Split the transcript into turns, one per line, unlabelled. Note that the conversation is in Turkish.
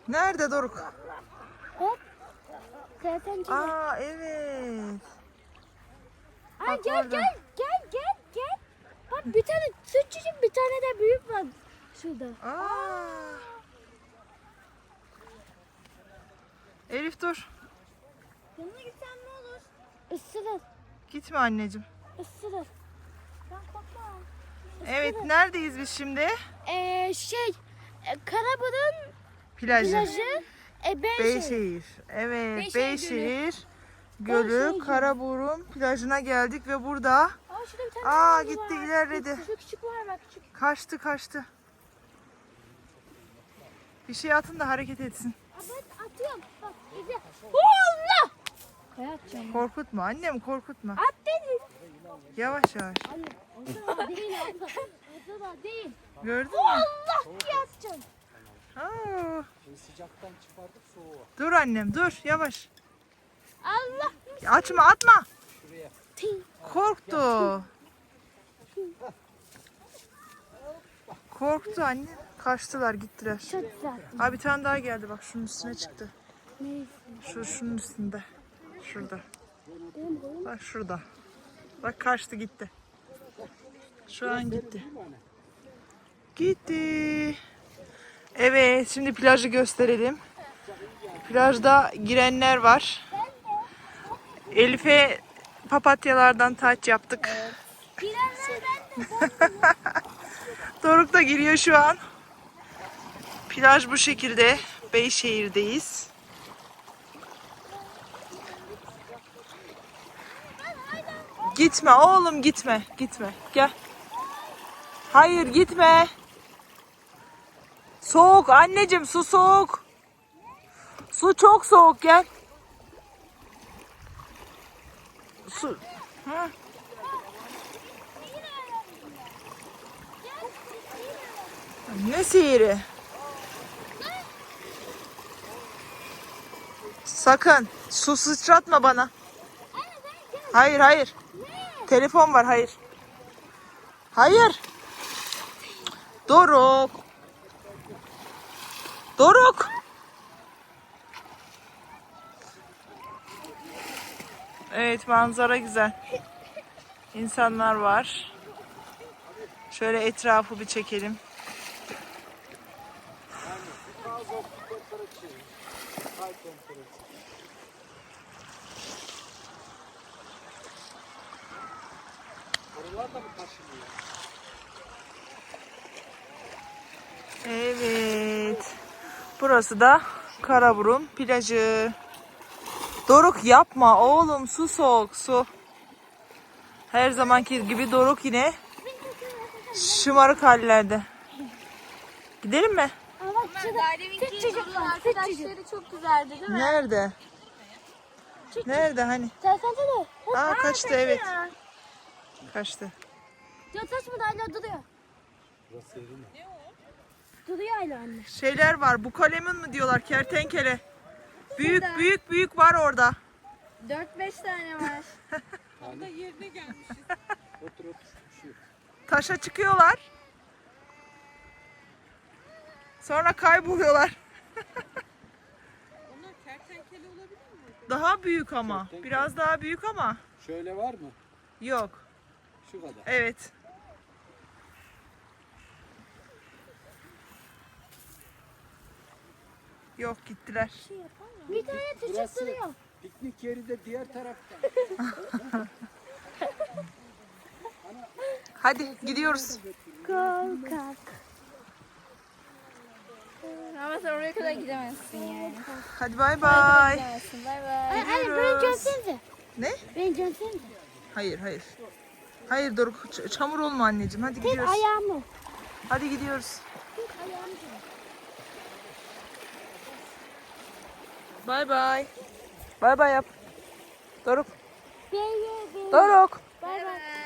Nerede Doruk?
Hop. Kertenkele.
Aa evet.
Ay
Bak
gel
orada.
gel. Bak bir tane küçücük bir tane de büyük var şurada.
Aa. Elif dur.
Yanına gitsem ne olur? Isırır.
Gitme anneciğim.
Isırır. Ben korkmam.
Evet neredeyiz biz şimdi?
Karaburun
Plajı.
plajı. Beyşehir.
Beyşehir. Evet
Beyşehir
Beyşehir Gölü
Beyşehir.
Karaburun plajına geldik ve burada
Aa şurada bir tane
Aa,
daha
gitti,
var.
ilerledi.
Şu küçük var bak küçük.
kaçtı. Bir şey atın da hareket etsin.
Aa, ben atıyorum. Bak izle. Allah! Ben atacağım.
Korkutma annem korkutma.
At dedim.
Yavaş.
Anne o da değil abla. O da değil.
Gördün mü?
Allah diye atacağım.
Aa,
Sıcaktan çıkardık soğuğa.
dur annem dur yavaş.
Allah.
Açma atma.
Şuraya.
Korktu. Korktu anne. Kaçtılar gittiler.
Çok güzel.
Abi bir tane daha geldi bak şunun üstüne çıktı.
Neyse.
Şunun üstünde. Şurada. Bak şurada. Bak kaçtı gitti. Şu an gitti. Gitti. Evet şimdi plajı gösterelim. Plajda girenler var. Elif'e papatyalardan taç yaptık.
Girenler ben de.
Doruk da giriyor şu an. Plaj bu şekilde. Beyşehir'deyiz. Gitme oğlum gitme. Gel. Hayır gitme. Soğuk anneciğim su soğuk. Su çok soğuk gel. Su. Hı. Ne sihiri? Sakın su sıçratma bana. Hayır. Telefon var hayır. Hayır. Doruk. Evet manzara güzel. İnsanlar var. Şöyle etrafı bir çekelim.
Oralar da mı taşınıyor?
Evet. Burası da Karaburun plajı. Doruk yapma oğlum su soğuk su. Her zamanki gibi Doruk yine şımarık hallerde. Gidelim mi?
Ama küçücük var. Arkadaşları çok güzeldi değil mi?
Nerede? Nerede hani?
Telefonu da.
Aa kaçtı evet. Kaçtı.
Ya taş mı da hala duruyor.
Burası yeri mi?
Duruyor hala anne.
Şeyler var. Bu kalemin mi diyorlar? Kertenkele. Büyük var orada.
4-5 tane var.
Otur. Şu.
Taşa çıkıyorlar. Sonra kayboluyorlar.
Onlar kertenkele olabilir mi?
Daha büyük ama.
Kertenkele.
Biraz daha büyük ama.
Şöyle var mı?
Yok.
Şu kadar.
Evet. Yok gittiler.
Bir tane küçük
Burası
duruyor.
piknik yeri de diğer tarafta.
Hadi gidiyoruz.
Korkak.
Ama sen oraya kadar gidemezsin yani.
Hadi bay bay.
Gidemezsin. Bay bay.
Anne beni görsenize.
Ne?
Beni görsenize.
Hayır. Hayır Doruk çamur olma anneciğim. Hadi
Tek
gidiyoruz.
ayağımı.
Hadi gidiyoruz.
Tek ayağımı.
Bay bay. Bay bay yap. Doruk.
Bay bay.
Doruk.
Bay bay.